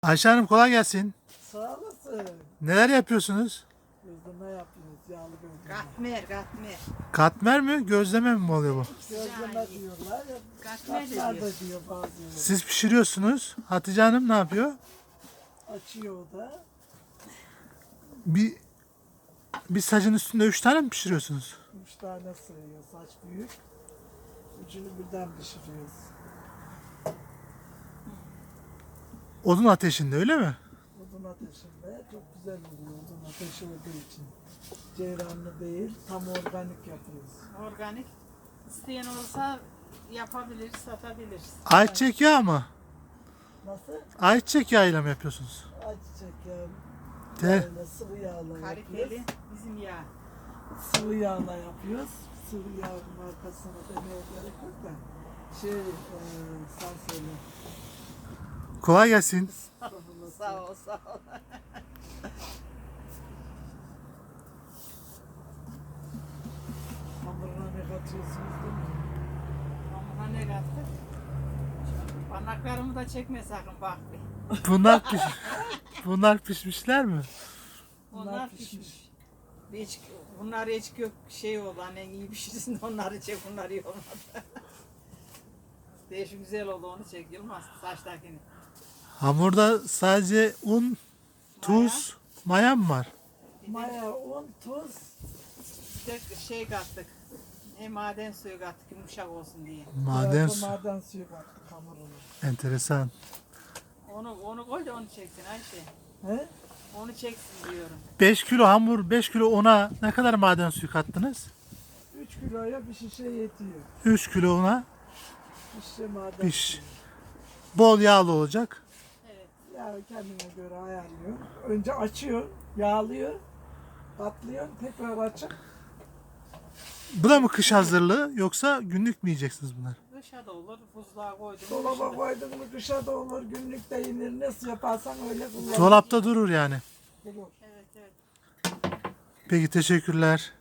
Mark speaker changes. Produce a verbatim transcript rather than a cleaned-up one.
Speaker 1: Ayşe Hanım kolay gelsin.
Speaker 2: Sağ olasın.
Speaker 1: Neler yapıyorsunuz?
Speaker 2: Gözleme yapıyoruz, yağlı gözleme.
Speaker 3: Katmer, katmer.
Speaker 1: Katmer mi, gözleme mi oluyor bu?
Speaker 2: Gözleme diyorlar ya.
Speaker 3: Katmer de
Speaker 2: Katmer
Speaker 3: diyor.
Speaker 2: de diyor bazıları.
Speaker 1: Siz pişiriyorsunuz. Hatice Hanım ne yapıyor?
Speaker 2: Açıyor o da.
Speaker 1: Bir bir sacın üstünde üç tane mi pişiriyorsunuz?
Speaker 2: Üç tane sığıyor, saç büyük. Üçünü birden pişiriyoruz.
Speaker 1: Odun ateşinde öyle mi?
Speaker 2: Odun ateşinde çok güzel oluyor odun ateşi olduğu için. Ceyranlı değil, tam organik yapıyoruz.
Speaker 3: Organik. İsteyen olsa yapabilir, satabilir.
Speaker 1: Ayçiçek yağı mı?
Speaker 2: Nasıl?
Speaker 1: Ayçiçek yağıyla mı yapıyorsunuz?
Speaker 2: Ayçiçek yağı.
Speaker 1: De.
Speaker 2: Yağla, sıvı yağla
Speaker 3: Kaliteli
Speaker 2: yapıyoruz.
Speaker 3: bizim yağ.
Speaker 2: Sıvı yağla yapıyoruz. Sıvı yağ markasını demeye gerek yok da. Şey, e, sen söyle.
Speaker 1: Kolay gelsin.
Speaker 3: Sağ ol, sağ ol.
Speaker 2: Hamuruna ne katıyorsunuz değil mi?
Speaker 3: Hamura ne kattık? Parmaklarımı da çekme sakın bak bir.
Speaker 1: Bunlar piş Bunlar pişmişler mi?
Speaker 3: Onlar,
Speaker 2: Bunlar
Speaker 3: pişmiş.
Speaker 2: pişmiş.
Speaker 3: Hiç, bunlar hiç gök şey oldu annen iyi pişirsin de onları çek bunları iyi olmadı. Değişik güzel oldu onu çek Yılmaz saçtakini.
Speaker 1: Hamurda sadece un, tuz, maya mı var?
Speaker 2: Maya, un, tuz.
Speaker 3: Bir de şey kattık. E, maden suyu kattık yumuşak olsun diye.
Speaker 1: Maden
Speaker 2: Biraz da
Speaker 1: su.
Speaker 2: maden suyu kattık hamuruna.
Speaker 1: Enteresan.
Speaker 3: Onu onu koy da onu çeksin Ayşe.
Speaker 2: He?
Speaker 3: Onu çeksin diyorum.
Speaker 1: beş kilo hamur, beş kilo una ne kadar maden suyu kattınız?
Speaker 2: üç kiloya bir şişe yetiyor.
Speaker 1: üç kilo una
Speaker 2: Bir şişe maden
Speaker 1: Piş.
Speaker 2: suyu.
Speaker 1: bol yağlı olacak.
Speaker 3: Evet.
Speaker 2: Ya kendine göre ayarlıyor. Önce açıyor, yağlıyor, katlıyor, tekrar açıp
Speaker 1: Bu da mı kış hazırlığı yoksa günlük mü yiyeceksiniz bunlar?
Speaker 3: Dışa da olur, buzluğa koydum.
Speaker 2: dolaba koydun mu kışa da olur, günlük de yenir. Nasıl yaparsan öyle kullan.
Speaker 1: Dolapta durur yani.
Speaker 2: Olur.
Speaker 3: Evet evet.
Speaker 1: Peki teşekkürler.